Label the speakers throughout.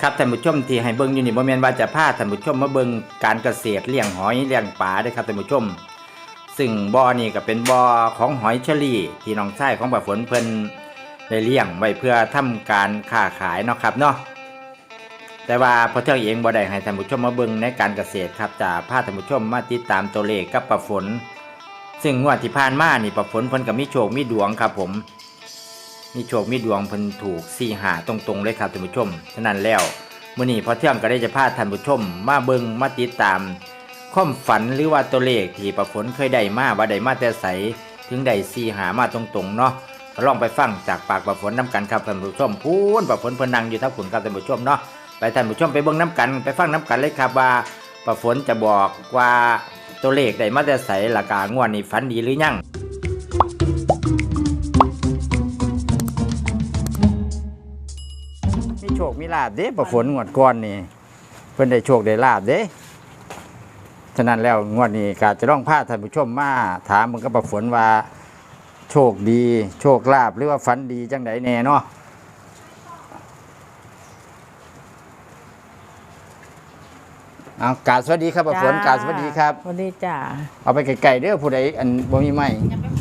Speaker 1: ครับท่านผู้ชมที่ให้เบิ่งอยู่นี่บ่แม่นว่าจะพาท่านผู้ชมมาเบิ่งการเกษตรเลี้ยงหอยเลี้ยงปลาเด้อครับท่านผู้ชมซึ่งบ่อนี่ก็เป็นบ่อของหอยเชอรี่ที่น้องชายของป้าฝนเพิ่นได้เลี้ยงไว้เพื่อทำการค้าขายเนาะครับเนาะแต่ว่าพอเที่ยงเองบ่ได้ให้ท่านผู้ชมมาเบิ่งในการเกษตรครับจะพาท่านผู้ชมมาติดตามตัวเลขกับป้าฝนซึ่งงวดที่ผ่านมานี่ป้าฝนเพิ่นก็มีโชคมีดวงครับผมมีโชคมีดวงเพิ่นถูก4-5ตรงๆเลยครับท่านผู้ชมฉะนั้นแล้วมื้อนี้พอเที่ยงก็ได้จะพาท่านผู้ชมมาเบิ่งมาติดตามความฝันหรือว่าตัวเลขที่ป้าฝนเคยได้มาว่าได้มาแต่ไสถึงได้4-5มาตรงๆเนาะก็ลองไปฟังจากปากป้าฝนนํกันครับท่านผู้ชมพูนป้าฝนเพิ่นนั่งอยู่ทับคุณครับท่านผู้ชมเนาะไปท่านผู้ชมไปเบิ่งน้ำกันไปฟังน้ำกันเลยครับว่าป้าฝนจะบอกว่าตัวเลขได้มาแต่ไสและกางวดนี้ฝันดีหรือยังมีโชคมีลาภเด้ป้าฝนงวดก่อนนี่เพิ่นได้โชคได้ลาภเด้ฉะนั้นแล้วงวดนี้ก็จะต้องพาท่านผู้ชมมาถามมึงกับป้าฝนว่าโชคดีโชคลาภหรือว่าฝันดีจังไดแน่เนาะเอากราบสวัสดีครับป้าฝนกราบสวัสดีครับ
Speaker 2: สวัสดีจ้า
Speaker 1: เอาไปไกลๆเด้อผู้ใดอันบ่มีไม้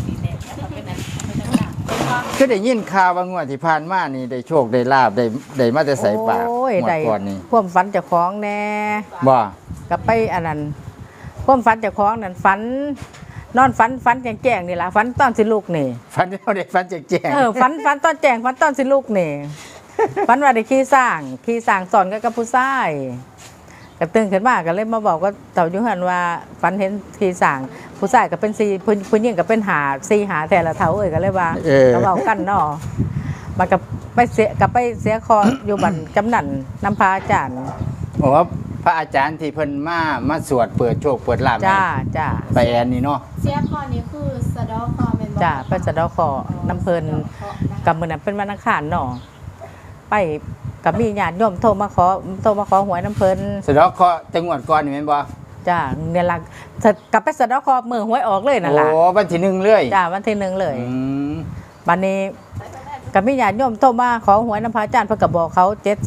Speaker 1: คือได้ยินข่าวว่างวดที่ผ่านมานี่ได้โชคได้ลาภได้มาแต่ใส่ปาก
Speaker 2: โอ้ย
Speaker 1: งว
Speaker 2: ได้
Speaker 1: ดก่อนนี่
Speaker 2: ความฝันเจ้าของแน่
Speaker 1: บ่
Speaker 2: กับไปอันนั้นความฝันเจ้าของนั่นฝันนอนฝันแจ้งๆนี่ล่ะฝันตอนสิลูกนี่
Speaker 1: ฝันเอาได้ฝันแจ้ง
Speaker 2: ฝันตอนแจ้งฝันตอนสิลูกนี่ ฝันว่าได้ขี่สร้างสอนกับผู้ชายก็ตื่นขึ้นมาก็เลยมาบอกว่าเต่าอยู่หันว่าฝันเห็นขี่สร้างผู้ชายก็เป็น4ผู้หญิงก็เป็นหาแต่ละเท่าก็เลยว่าก็เว้ากันเนาะมันก็ไปเสียคออยู่บันจำนันน้ำพระอาจารย์
Speaker 1: ๆบอกว่าพระอาจารย์ที่เพิ่นมาสวดเปิดโชคเปิดลาภให้
Speaker 2: จ้า
Speaker 1: ไปแอนนี่เนาะ
Speaker 3: เสียคอนี้คือสะเดอคอเป็น
Speaker 2: จ้าไปสะเดาะขอน้ำเพลินกับมือนั้นเป็นวันอังคารเนาะไปกับมีญาติโยมโทรมาขอหวยน้ำเพลิน
Speaker 1: สะเดาะเคราะห์จังหวัดก่อนนี่แม่นบ่
Speaker 2: จ้าเนี่ยละกลับไปสะเดาะขอมือหวยออกเลยนั่น
Speaker 1: โอ้
Speaker 2: ล่ะ
Speaker 1: วันที่1เลย
Speaker 2: จ้าวันที่1เลย
Speaker 1: อืม
Speaker 2: วันนี้กับมีญาติโยมโทรมาขอหวยน้ำพระอาจารย์เพิ่นก็บอกเขา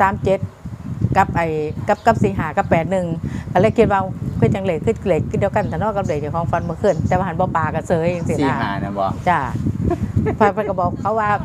Speaker 2: 737กับกับ45กับ81ก็เลยคิดว่าคือจังเลขคือเลขเดียวกันแต่นอกกับเลขเจ้าของฟันเมื่อคืนแต่ว่าหันบ่ปลาก็เสยจังซี่
Speaker 1: สี่
Speaker 2: นะ
Speaker 1: หานะบ่
Speaker 2: จ้าเพิ่นก็บอกเขาว่า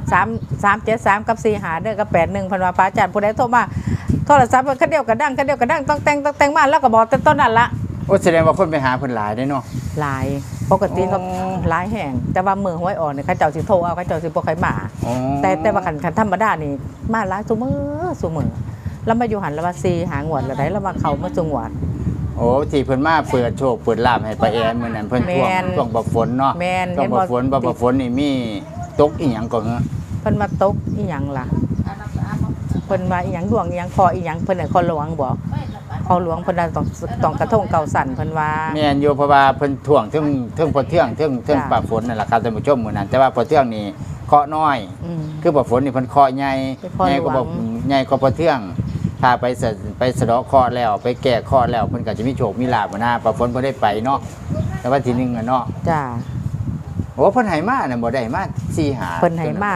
Speaker 2: 373กับ45เด้อกับ81เพิ่นว่าพระอาจารย์ผู้ใดโทรมาโทรศัพท์คันเดียวก็ดังต้องแต่งมาแล้วก็บอกแต่ต้นนั้นละ
Speaker 1: โอ้แสดงว่าคนไปหาเพิ่นหลายได้เนาะ
Speaker 2: หลายปกติเขา
Speaker 1: อ๋อ
Speaker 2: หลายแห่งแต่ว่ามือหวยอ่อนเนี่ยเขาเจ้าสิโทรเอาเขาเจ้าสิบ่ค่อยมา
Speaker 1: อ๋อ
Speaker 2: แต่ว่าคันธรรมดานี่มาหลายซุมื้อแล้วมาอยู่หันแล้วว่า4หางวดแล้วได้แล้วมาเข้ามาจุงหวด
Speaker 1: โอ้ที่เพิ่นมาเปิดโชคเปิดลาภให้ไปแอนมื้อนั้นเพิ่นท่วง
Speaker 2: แม่น
Speaker 1: ช่วงบ่ฝนเนาะ
Speaker 2: แม่น
Speaker 1: ช่วงบ่ฝน
Speaker 2: เห็นบ่
Speaker 1: บ่ฝนนี่มีตกอีหยังก็เหรอ
Speaker 2: เพิ่นมาตกอีหยังล่ะเพิ่นว่าอีหยังดวงอีหยังคออีหยังเพิ่นน่ะคอหลวงบ่คอหลวงเพิ่นน่ะต้องกระทงเก่าสั่นเพิ่นว่า
Speaker 1: แม่นอยู่เพราะว่าเพิ่นท่วงถึงพอเที่ยงถึง
Speaker 2: จ้ะ
Speaker 1: ปลาฝนนั่นแหละครับท่านผู้ชมมื้อนั้นแต่ว่าพอเที่ยงนี่เคราะห์น้อย
Speaker 2: อืม
Speaker 1: คือปลาฝนนี่เพิ่นเคราะห์ใหญ่
Speaker 2: เป็นเคราะห์
Speaker 1: ใหญ่ก็บ่
Speaker 2: หลวง
Speaker 1: ใหญ่ก็พอเที่ยงถ้าไปสะเดาะเคราะห์แล้วไปแก้เคราะห์แล้วเพิ่นก็จะมีโชคมีลาภนะปลาฝนบ่ได้ไปเนาะแต่ว่าทีนึงอ่ะเนาะ
Speaker 2: จ้า
Speaker 1: โอ้เพิ่นให้มาน่ะบ่ได้มา4หา
Speaker 2: เพิ่นให้มา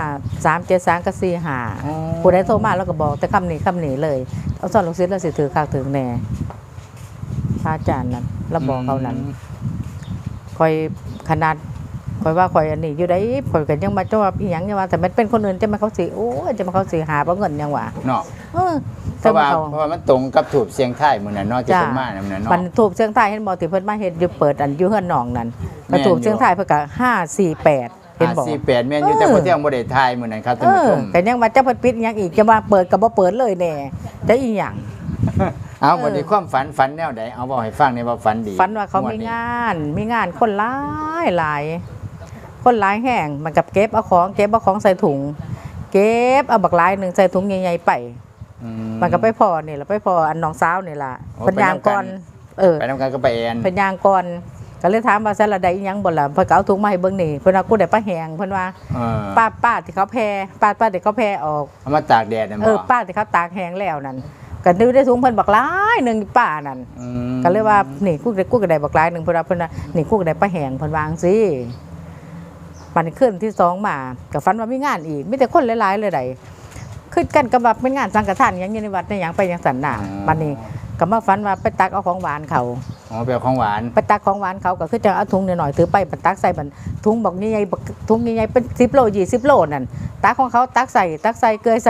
Speaker 2: 373กับ45ผู้ใดโทรมาแล้วก็บอกแต่คำนี้เลยเอาสอนลูกศิษย์แล้วสิถือคักถึงแน่พระอาจารย์นั่นแล้วบอกเขานั้นคอยขนาดคอยว่าคอยอันนี้อยู่ได้คอยก็ยังมาจ้าอีหยังยังว่าแต่มันเป็นคนอื่นจะมาเขาสิโอ้ยจะมาเขาสิหาบ่เงินยังว่า
Speaker 1: เนาะ
Speaker 2: เออ
Speaker 1: เพ
Speaker 2: แต่
Speaker 1: ราะว่า
Speaker 2: เขา
Speaker 1: เพราะว่ามันตรงกับถูกเสียงไทายมื้อนั้นเนาะที่เพิ่นมานั่นเนาะ
Speaker 2: มันถูกเชียงไทยเห็นบ่ที่เพิ่นมาเฮ็ดอยู่เปิดอันอยู่เฮือนน้องนั่นก็ถูกเชียงไทยเพิ่นก็548เห็นบ่
Speaker 1: 48แม่นอยู่แต่พอเที่ยงบ่ได้ทายมื้อนั้นครับท่านผู้ชม
Speaker 2: ก็ยังว่าจะเพิ่นปิดอีหยังอีกจะว่าเปิดก็บ่เปิดเลยแน่จะอีหยัง
Speaker 1: เอาวันนี้ความฝันแนวใดเอาบอกให้ฟังในอยว่าฝันดี
Speaker 2: ฝันว่าเขามีงานคนหลายคนหลายแห่งมันกับเก็บเอาของใส่ถุง เก็บเอาบักหลายหนึงใส่ถุงใหญ่ๆไป
Speaker 1: อื
Speaker 2: มันก็ไปพอนี่ล่ะไปพออันน้องสาวนี่ล่ะ
Speaker 1: โอ้
Speaker 2: เพิ่นย่างก่อน
Speaker 1: ไปนำกันก็ไปแอน
Speaker 2: เพิ่นย่างก่อนก็เลยถามว่าซั่นละได้อีหยังบ่ล่ะเพิ่นก็เอาถุงมาให้เบิ่งนี่เพิ่นว่ากูได้ปลาแห้งเพิ่นว่า
Speaker 1: เออ
Speaker 2: ป้าที่เขาแพร่ป้าที่เขาแพร่ออก
Speaker 1: เอามาตากแดดนะบ่
Speaker 2: ป้าที่เขาตากแห้งแล้วนั่นก็ดูได้ถุงเพิ่นบักหลายหนึงป้านั่น
Speaker 1: อืม
Speaker 2: ก็เลยว่านี่กูก็ได้บักหลายหนึงเพิ่นว่านี่กูก็ได้ปลาแห้งเพิ่นวาจั่งซี่มันขึ้นที่2มาก็ฝันว่ามีงานอีกมีแต่คนหลายๆเลยใดขึ้นกันกับว่าเป็นงานสังฆทานอย่างอยู่ในวัดในหยังไปอย่างสันน่ะบัดนี้ก็มาฝันว่าไปตักเอาของหวานเขา
Speaker 1: อ๋อเปลของหวาน
Speaker 2: ไปตักของหวานเขาก็คือจะเอาถุงหน่อยๆถือไปบัดตักใส่บัดถุงบอกนี่ไงถุงนี่ไงเป็น10 โล20 โลนั่นตักของเขาตักใส่เกยใส่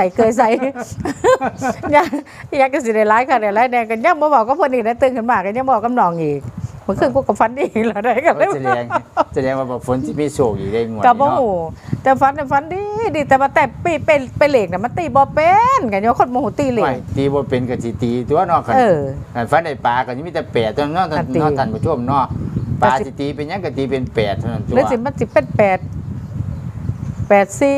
Speaker 2: อยากจะสิได้หลายค่ะได้หลายแน่กันยังบ่บอกก็เพิ่นอีกนะตื่นขึ้นมาก็ยังบอกกับน้องอีกเมื่อคืนกูก็ฝันดีแล้วได้กันเลย
Speaker 1: แสดงว่าแบบฝนที่มีโชคอยู่ได้งวด
Speaker 2: ก็
Speaker 1: นี้
Speaker 2: บ่
Speaker 1: เนาะ
Speaker 2: ฮู้แต่ฝันดีแต่ว่าแต่ปีเป็นเหล็กน่ะมันตีบ่เป็นกันยังคนบ่ฮู้ตีเหล็
Speaker 1: ไม่
Speaker 2: ก
Speaker 1: ตีบ่เป็นก็สิตีตัวเนาะคัน
Speaker 2: เออ
Speaker 1: คันฟันได้ปลาก็มีแต่แปดตัวเนาะ
Speaker 2: อันตี
Speaker 1: ท่านผู้ชมเนาะปลาสิตีเป็นหยังก็ตีเป็นแปดเท่านั้นตัว
Speaker 2: หรือสิมันสิเป็น8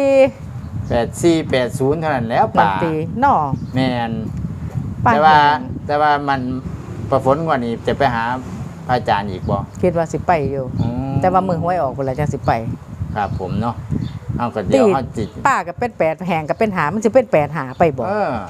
Speaker 2: 4
Speaker 1: 84 80เท่านั้นแล้วป
Speaker 2: มัน
Speaker 1: ลา
Speaker 2: ตีเนาะ
Speaker 1: แม่น
Speaker 2: ปลา
Speaker 1: แต่ว่ามันประฝนกว่านี้จะไปหาพระอาจารย์อีกบ่
Speaker 2: คิดว่าสิไปอยู่
Speaker 1: อืม
Speaker 2: แต่ว่ามือหวยออกพุ่นละจังสิไป
Speaker 1: ครับผมเนาะเอาก็เดี๋ยวเฮาจิต
Speaker 2: ป้าก็เป็น8แหงก็เป็นหามันสิเป็น8หาไปบ่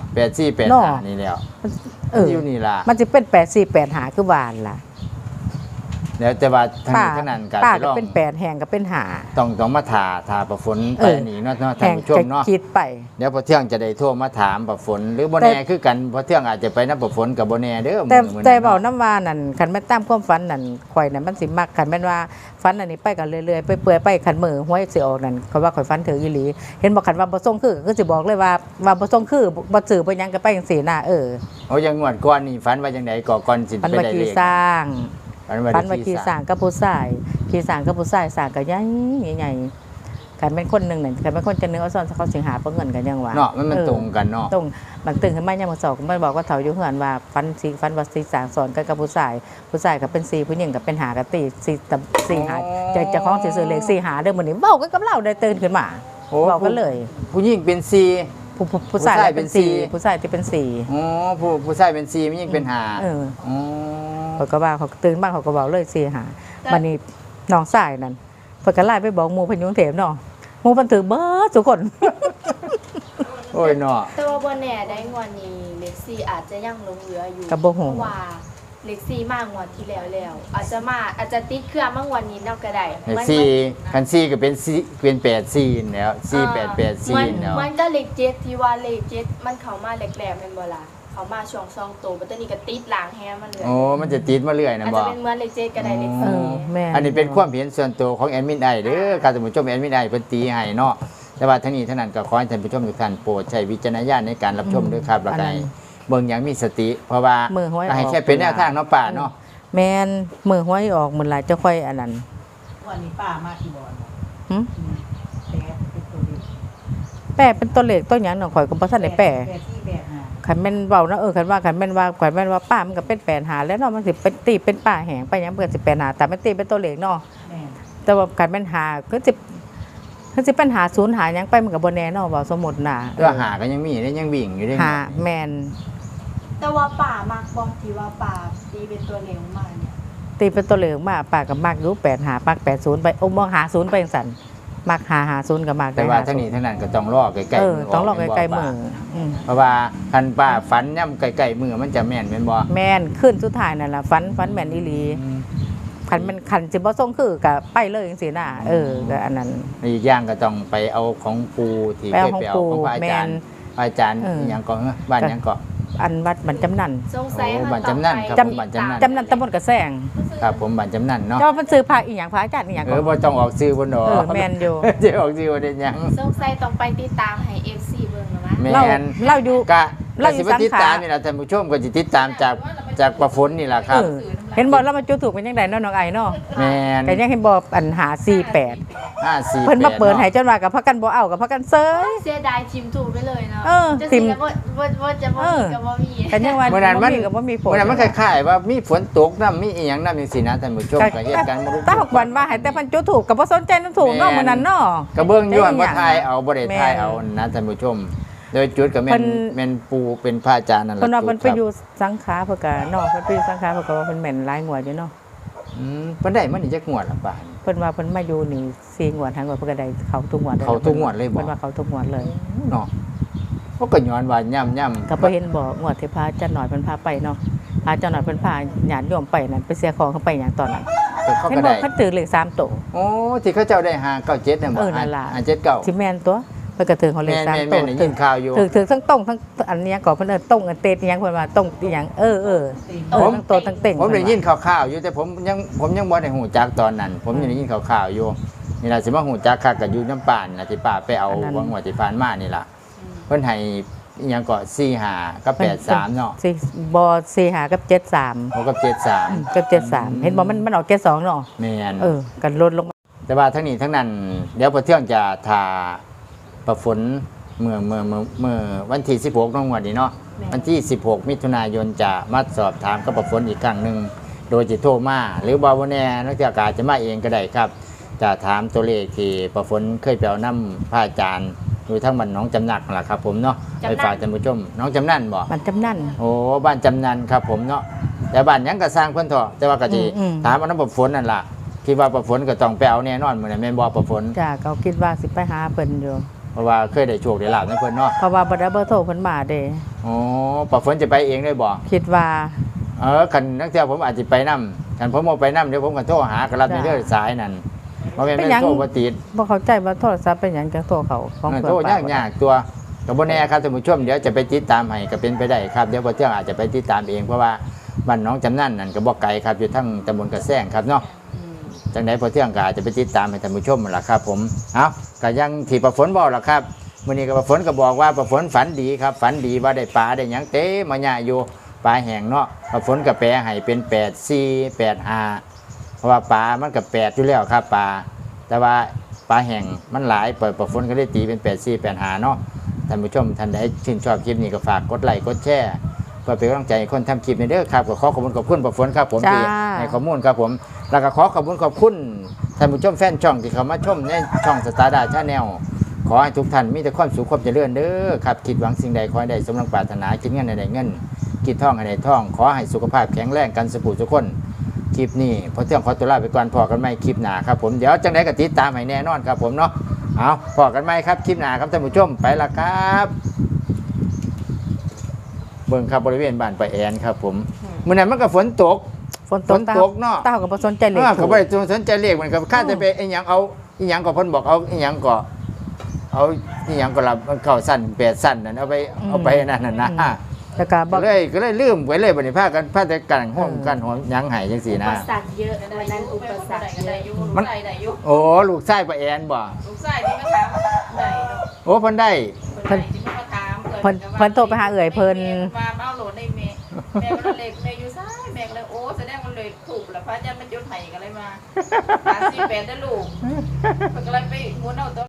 Speaker 1: 84
Speaker 2: เนาะ
Speaker 1: 85นี่แล้ว
Speaker 2: เออ
Speaker 1: อยู่นี่ล่ะ
Speaker 2: มันสิเป็น8 4 8หาคือหวานล่ะ
Speaker 1: แล้วแต่ว่าทาง
Speaker 2: ป้า
Speaker 1: นี้ทางนั้นก็
Speaker 2: ป้า
Speaker 1: จะ
Speaker 2: ก็
Speaker 1: ลอง
Speaker 2: เป็น8แหงก็เป็นหา
Speaker 1: ต้องมาถาประฝน
Speaker 2: เอ
Speaker 1: ไป
Speaker 2: อ
Speaker 1: นี่เนาะ
Speaker 2: แห
Speaker 1: ท่าน
Speaker 2: ง
Speaker 1: ผู้ชม
Speaker 2: จะ
Speaker 1: เนาะ
Speaker 2: คิดไป
Speaker 1: เดี๋ยวพอเที่ยงจะได้โทรมาถามประฝนหรือบ่
Speaker 2: แต่
Speaker 1: แน่คือกันพอเที่ยงอาจจะไปนับประฝนกับบ่แน่เด้อ
Speaker 2: แต่
Speaker 1: มื้อ
Speaker 2: แต่
Speaker 1: นั้น
Speaker 2: เว้า
Speaker 1: เนาะ
Speaker 2: น้ำว่านั่นคันแม่นตามความฝันนั่นข่อยนั่นมันสิมักคันแม่นว่าฝันอันนี้ไปกันเรื่อยๆไปเปื่อยไปคันมือหวยสิออกนั่นเขาว่าข่อยฝันถึงอีหลีเห็นบอกคันว่าบ่ส่งคือก็สิบอกเลยว่าบ่ส่งคือบ่ซื้อบ่หยังก็ไปจังซี่น่ะเออ
Speaker 1: โอ้ยังงวดก่อนนี่ฝันว่าจังไดก่อนสิ
Speaker 2: ฝัน
Speaker 1: ไป
Speaker 2: ว่า
Speaker 1: ได้
Speaker 2: ขี่
Speaker 1: เลข
Speaker 2: สร้าง
Speaker 1: ฝันว่า
Speaker 2: ฝันว่า
Speaker 1: ได้
Speaker 2: ขี่สร้างกับผู้ชายขี่สร้างกับผู้ชายสร้างก็ใหญ่ใหญ่คันเป็นคนหนึงนั่นคันเป็นคนจะนึงเอาซ่อนเขาสิหาเพิ่นเงินกันยังว่า
Speaker 1: เนาะมัน
Speaker 2: เออ
Speaker 1: ตรงกันเนาะ
Speaker 2: ตรงมันตื่นขึ้นมายามมื้อสองมันบอกว่าเฒ่าอยู่เฮือนว่าฟันว่าสีสางสอนกันกับผู้ชายก็เป็น4ผู้หญิงก็เป็นหากะตี4หาจะของสิซื้อเลข4หาเด้อมื้อนี้เว้ากันกับเราได้ตื่นขึ้นมา
Speaker 1: โอ้
Speaker 2: เว้ากันเลย
Speaker 1: ผู้หญิงเป็น4
Speaker 2: ผู้ชายเป็น
Speaker 1: ผู้ชายเป็นสี่
Speaker 2: 4ผู้ชายที่เป็น4
Speaker 1: อ๋อผู้ชายเป็น4ผู้หญิงเป็น5
Speaker 2: เออ
Speaker 1: อ๋อ
Speaker 2: เขาก็ว่าเขาตื่นมาเขาก็เว้าเลย4หาบัดนี้น้องชายนั่นเพิ่นก็ไล่ไปบอกหมู่เพิ่นอยู่กรุงเทพเนาะหมู่เพิ่นถือเบิดทุกคน
Speaker 1: โอ้ยเนาะ
Speaker 3: แต่ว่าบ่แน่ได้งวดนี้เล็กซี่อาจจะยังหลงเหลืออยู่
Speaker 2: ก็บ่ฮู้
Speaker 3: เพราะว่าเล็กซี่มางวดที่แล้วอาจจะติดเครื่องมางวดนี้นำก็ได้
Speaker 1: ให้4คัน4ก็เป็น4เป็น84แล้ว4884แล้ว
Speaker 3: มันก็เลข7ที่ว่าเลข7มันเข้ามาแรกๆแม่นบ่ล่ะเข้ามาช่วง2ตัวบัดนี้ก็ติดหลังแฮมันเลย
Speaker 1: โอ้มันจะติดมาเรื่อยนะ
Speaker 3: อาจ
Speaker 1: บ่
Speaker 3: จะเป็นเหมือนเลข7ก็ได้เลข
Speaker 2: เอ
Speaker 3: สี่
Speaker 2: อแม่
Speaker 1: อันนี้เป็นความเห็นส่วนตัวของแอดมินไอเด้อการท่านผู้ชมแอดมินไอเพิ่นตีให้เนาะแต่ว่าทั้งนี้ทั้งนั้นก็ขอให้ท่านผู้ชมทุกท่านโปรดใช้วิจารณญาณในการรับชมด้วยครับแล้วก็ให้เบิ่งอย่างมีสติ เพราะว่า
Speaker 2: มือห้อยออก
Speaker 1: ให้แค่เป็นแนวทางเนาะป่าเนาะ
Speaker 2: แม่นมือห้อยออกมื้อหลายจะค่อยอันนั้น
Speaker 4: วันนี้ป้ามาที่บอล
Speaker 2: หึ
Speaker 4: แปดเป็นตัวเล็ก
Speaker 2: แป้เป็นตัวเลขตัวหยังน้องข่อยก็บ่ทันได้แป้
Speaker 4: แปดที่แปดห้า
Speaker 2: คันแม่นเว้านะคันว่าป้ามันก็เป็น8หาแล้วเนาะมันสิเป็นตีเป็นป้าแหงไปหยังเพิ่นสิ8หาแต่มันตีเป็นตัวเลขเนาะ
Speaker 4: แม่
Speaker 2: แต่ว่าคันแม่นหาคือสิเป็นหา0หาหยังไปมันก็บ่แน่เนาะเว้าสมมุติน่ะ
Speaker 1: เรื่องหาก็ยังมีได้ยังวิ่งอยู่ได้
Speaker 2: หาแม่น
Speaker 3: แต่ว่าป่ามากบ่ที่ว่าป่าตีเป็นตัวเลขมาเนี่ย
Speaker 2: ตีเป็นตัวเลขมาป้าก็มักอยู่8หามัก80ไปโอ้บ่หา0ไปจังซั่นมักหา0ก็มัก
Speaker 1: แต่ว่าทั้งนี้ทั้งนั้นก็ต้องรอใกล้ๆมือ
Speaker 2: ต้องรอใกล้ๆ
Speaker 1: แม่
Speaker 2: มื
Speaker 1: น
Speaker 2: อ
Speaker 1: บ่
Speaker 2: อืม
Speaker 1: เพราะว่าคันป้าฝันย่ำใกล้ๆมือมันจะแม่นแม่นบ่
Speaker 2: แม่นขึ้นสุดท้ายนั่นล่ะฝันแม่นอีหลีคันมันคันสิบ่ส่งคือก็ไปเลยจังซี่น่ะก็อันนั้น
Speaker 1: อีกอย่างก็ต้องไปเอาของปูที่
Speaker 2: ไป
Speaker 1: เค
Speaker 2: เอา
Speaker 1: ย
Speaker 2: ของ
Speaker 1: ไปเอา
Speaker 2: ปู่
Speaker 1: ของพระอาจารย์
Speaker 2: แม่น
Speaker 1: พระอาจารย์
Speaker 2: เออ
Speaker 1: อิหยังก็บ้านอิหยังก็
Speaker 2: อันวัดบันจำนัน
Speaker 3: สงสัย
Speaker 1: โอ้
Speaker 3: เขา
Speaker 1: บัตร
Speaker 3: ต้อง
Speaker 1: จำนั่น
Speaker 3: ไป
Speaker 1: ครับ
Speaker 2: จ
Speaker 1: ผมบัตรจำนั่น
Speaker 2: จำนันตำบลกระแสง
Speaker 1: ครับผมบ้านจำนั่นเนาะ
Speaker 2: เจ้ามันซื้อพระอีหยังพระอาจารย์อีหยัง
Speaker 1: บ่ต้องออกซื้อบนดอก
Speaker 2: แม่นอยู่
Speaker 1: จะออกซื้อบ่ได้หยัง
Speaker 3: สงสัยต้องไปติดตามให้ FC เบิ่งแล้วมั้ย
Speaker 1: แม่
Speaker 2: เรา
Speaker 1: น
Speaker 2: เราอยู่
Speaker 1: ก็
Speaker 2: เราอยู่
Speaker 1: สิมาติด
Speaker 2: สังขาร
Speaker 1: ตามนี่ล่ะท่านผู้ชมก็สิติดตามจากประฝนนี่ล่ะครับ
Speaker 2: เห็นบอกเรามาจุดถูกเป็นยังไงเนาะน้องไอ้เนาะ
Speaker 1: แม่น
Speaker 2: แต่ยังเห็นบอกอันหา48
Speaker 1: 548
Speaker 2: เพิ่นมาเปิดให้จนว่ากับพักกันบ่เอากับพักกันเซย
Speaker 3: เสียดายชิมถูกไปเลยเนาะ
Speaker 2: เออ
Speaker 3: จะ
Speaker 2: ทิ
Speaker 3: สิ
Speaker 2: ม
Speaker 3: แล้วว่าจะบ่มีก็บ่มี
Speaker 2: กันยังว่า
Speaker 1: เมื่อนั้นมัน
Speaker 2: ก็บ่มีฝน
Speaker 1: เมื่อนั้นมันคล้ายๆว่ามีฝนตกน้ำมีอีหยังน้ำจังซี่นะท่านผู้ชมก็เหตุการณ์บ่รู้
Speaker 2: ตาหกวันว่าให้แต่เพันจุดถูกกับบ่สนใจน้ำถูกเนาะมื้อนั้นเนาะ
Speaker 1: ก็เบิ่งอยู่ว่า
Speaker 2: แต่อีหยัง
Speaker 1: บ่ทายเอาบ่ได้ทายเอา
Speaker 2: แม่น
Speaker 1: นะท่านผู้ชม โดยจุดก็แม่
Speaker 2: เพิ่
Speaker 1: น
Speaker 2: น
Speaker 1: แม่นปูเป็นพระอาจารย์นั่นแหละ
Speaker 2: เพิ่นว่าเพิ่น
Speaker 1: จุด
Speaker 2: ไป
Speaker 1: ครับ
Speaker 2: อยู่สังขาเพิ่นก็เนาะเพิ่นไปอยู่สังขาเพิ่นก็ว่าเพิ่นแม่นหลายงวดอยู่เนาะ
Speaker 1: เพิ่นได้มันนี่จักงวดละป่าน
Speaker 2: เพิ่นว่าเพิ่นมาอยู่นี่4งวดทางงวดเพิ่นก็ได้เขาทุกงวด
Speaker 1: เขาทุกงวดเลยบ่
Speaker 2: เพิ่นว่าเขาทุกงวดเลย
Speaker 1: เนาะเพราะก็ย้อนว่าย่ำ
Speaker 2: ก็บ่เห็นบ่งวดที่พระอาจารย์หน่อยเพิ่นพาไปเนาะพระอาจารย์หน่อยเพิ่นพาญาติโยมไปนั่นไปเสียของเขาไปหยังตอนนั้น
Speaker 1: แต่เขา
Speaker 2: เห็น
Speaker 1: ก็
Speaker 2: บ่
Speaker 1: ได้
Speaker 2: เพิ่นถือเลข3โตว
Speaker 1: โอ้ที่เขาเจ้าได้597น่ะบ่
Speaker 2: นั่นล่ะ
Speaker 1: 579
Speaker 2: สิแม่นตัวเพิ่นก็ถึงเขาเลข3
Speaker 1: แม่
Speaker 2: โต
Speaker 1: นได้ยินข่าวอยู่
Speaker 2: ถึงทั้งต้งทั้งอันเนี้ยก่อนเพิ่นตรงอันเตดอิหยังเพิ่นว่าตรงอีหยังทั้งโตทั้งเต่ง
Speaker 1: ผมได้ยินข่าวๆอยู่แต่ผมยังบ่ได้หูจักตอนนั้น ผมยังได้ยินข่าวๆอยู่นี่ล่ะสิมาหูจักคักก็อยู่น้ำป่านน่ะที่ป้าไปเอาวังหัวที่ผ่านมานี่ล่ะเพิ่นให้อิหยังก็45กับ83เนาะ
Speaker 2: บ่45กับ73
Speaker 1: 6กับ73
Speaker 2: กับ73เห็นบ่มันออก72เนาะ
Speaker 1: แม่น
Speaker 2: กันลดลงมา
Speaker 1: แต่ว่าทั้งนี้ทั้งนั้นเดี๋ยวพอเที่ยงจะทาประฝนเมื่อวันที่16น้องวันนี้เนาะวันที่16มิถุนายนจะมาสอบถามกับประฝนอีกครั้งหนึ่งโดยจะโทรมาหรือบาวแน่นักเที่ยวกาจะมาเองก็ได้ครับ จะถามตัวเลขที่ประฝนเคยไปเอาน้ำพระอาจารย์อยู่ทั้งบ้านน้องจำนักนั่นแหละครับผมเนาะไปฝากท่านผู้ชมน้องจำนั่นบ่
Speaker 2: มันจำนั่น
Speaker 1: โอ้บ้านจำนันครับผมเนาะแต่บ้านหยังก็สร้างเพิ่นเถอะแต่ว่าก็สิ
Speaker 2: อืม
Speaker 1: ถามว่าน้ำประฝนนั่นล่ะคิดว่าประฝนก็ต้องไปเอาแน่นอนมื้อนั้นแม่นบ่ประฝน
Speaker 2: จ้าเขาคิดว่าสิไปหาเพิ่นอยู่
Speaker 1: เพราะว่าเคยได้โชคได้ลาบในเพิ่นเนาะ
Speaker 2: เพราะว่าบ่ได้เบอร์โทรเพิ่นมาเด้
Speaker 1: อ๋อประฝนจะไปเองได้บ่
Speaker 2: คิดว่า
Speaker 1: คันนักเที่ยวผมอาจจะไปนํคันผมบ่ไปนํเดี๋ยวผมก็โทรหาก็รับในเด้อสายนั่นบ่แม่น
Speaker 2: เป็นหยัง
Speaker 1: โทรบ่ติด
Speaker 2: บ่เข้าใจว่าโทรศัพท์เป็นหยังจังโทรเขาของเพิ่น
Speaker 1: โทรยากๆตัวก็บ่แน่ครับท่านผู้ชมเดี๋ยวจะไปติดตามให้ก็เป็นไปได้ครับเดี๋ยวพอเที่ยงอาจจะไปติดตามเองเพราะว่าบ้านน้องจำนั่นนั่นก็บ่ไกลครับอยู่ทั้งตำบลกระแซงครับเนาะ จังได๋พอเที่ยงก็อาจจะไปติดตามให้ท่านผู้ชมนั่นล่ะครับผมเอาก็ยังที่ประฝนบอกล่ะครับมื้อนี้ก็ประฝนก็บอกว่าประฝนฝันดีครับฝันดีว่าได้ปลาได้หยังเต็มมาหยะอยู่ปลาแห้งเนาะประฝนก็แปลให้เป็น84 85เพราะว่าปลามันก็8อยู่แล้วครับปลาแต่ว่าปลาแห้งมันหลายประฝนก็เลยตีเป็น84 85เนาะท่านผู้ชมท่านใดชื่นชอบคลิปนี้ก็ฝากกดไลค์กดแชร์เพื่อเป็นกำลังใจให้คนทำคลิปในเด้อครับก็ขอขอบคุณประฝนครับผมที่ให้ข้อมูลครับผม แล้วก็ขอขอบคุณท่านผู้ชมแฟนช่องที่เข้ามาชมในช่องสตาร์ดาชาแนลขอให้ทุกท่านมีแต่ความสุขความเจริญเด้อครับคิดหวังสิ่งใดขอให้ได้สมดังปรารถนาคิดเงินให้ได้เงินคิดท่องให้ได้ท่องขอให้สุขภาพแข็งแรงกันสุขทุกคนคลิปนี้พอเที่ยงขอตัวลาไปก่อนพอกันไหมคลิปหน้าครับผมเดี๋ยวจังไดก็ติดตามให้แน่นอนครับผมเนาะเอาพอกันไหมครับคลิปหน้าครับท่านผู้ชมไปละครับเบิ่งครับบริเวณบ้านป้าแอนครับผมมื้อนั้นมันก็ฝนตก
Speaker 2: ฝนตก
Speaker 1: ฝนตกเนาะ
Speaker 2: เต้าก็บ่สนใจเลย
Speaker 1: เขาไม่ได้สนใจเลขเหมือนกับข้าจะไปไอ้หยังเอาไอ้หยังก็เพ่นบอกเอาไอ้หยังก็เอาไอ้หยังก็รับเข้าสั้น8สั้นนั่นเอาไปนั่นน่ะนะ
Speaker 2: แล้วก็บ่
Speaker 1: ก็เลยลืมไปเลยบัดนี้พาแต่กันห้องกันหอมหยังไห้จังซี่
Speaker 3: อุ
Speaker 1: นะ
Speaker 3: ปสรรคเยอะวันนั้นอุปสรรคเยอะ
Speaker 1: มันโอ้ลูกชายป้าแอนบ่
Speaker 5: ลูกชายที่มาถามไหนเนาะ
Speaker 1: โอ้เพิ่นได้
Speaker 5: เพิ่นที่มาถาม
Speaker 2: เพิ่นโทรไปหาเอื่อยเพิ่น
Speaker 5: มาเอาโหลดในแม่ก็เลยแม่อยู่ซ้ายแม่ก็เลยโอ้แสดงว่าเลยถูกแล้วพระอาจารย์มันจุดไห้กันเลยมา38ได้ลูกเพิ่นก็เลยไปหมุนเอาตัว